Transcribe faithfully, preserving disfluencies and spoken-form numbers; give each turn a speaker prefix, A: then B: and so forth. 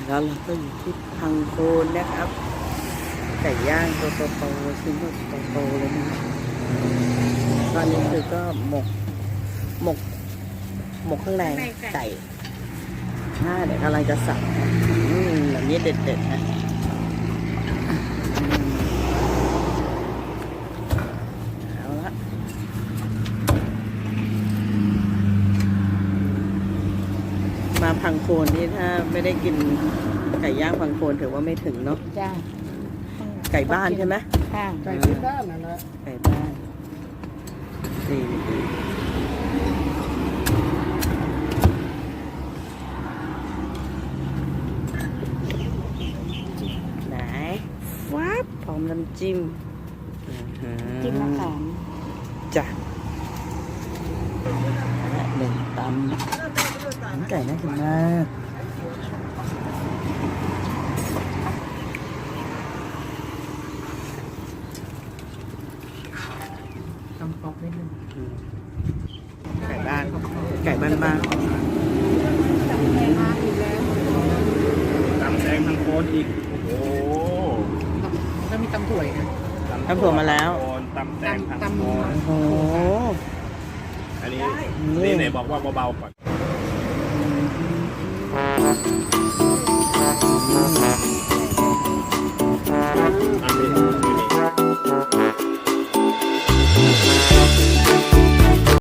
A: แล้วเราก็อยู่ที่พังโคนนะครับไก่ย่างตัวโตๆชิ้นโตๆเลยนะตอนนี้คือก็หมกหมกหมกข้างในไก่อ่าเดี๋ยวกำลังจะสับนะอืมแบบนี้เด็ดๆนะเอาละมาพังโคนนี่ถ้าไม่ได้กินไก่ย่างพังโคนถือว่าไม่ถึงเนาะ
B: จ้า
A: ไก่บ้านใช่ไหม
B: ค่ะ
C: ไก่ที่บ้านนะนะ
A: ไก่บ้านดีดีไหนวับพร้อมน้ำจิ้ม
B: จิ้มมะขาม
A: จ้ะและหนึ่งตำหนังไก่น่ากินมาก
C: ทำป๊อปนิดนึง
A: ไก่บ้าน ไก่บ้านบ้าน
B: มาอีกแล้ว
D: ตำแดงทางโคนอีก โอ้โห
C: แล้วมีตำถั่วอีกนะ
A: ทำถั่วมาแล้ว
D: ตำแดงทาง
C: ตำ
D: โคน
A: โอ้โห
D: อันนี้นี่ไหนบอกว่าเบาๆก่อน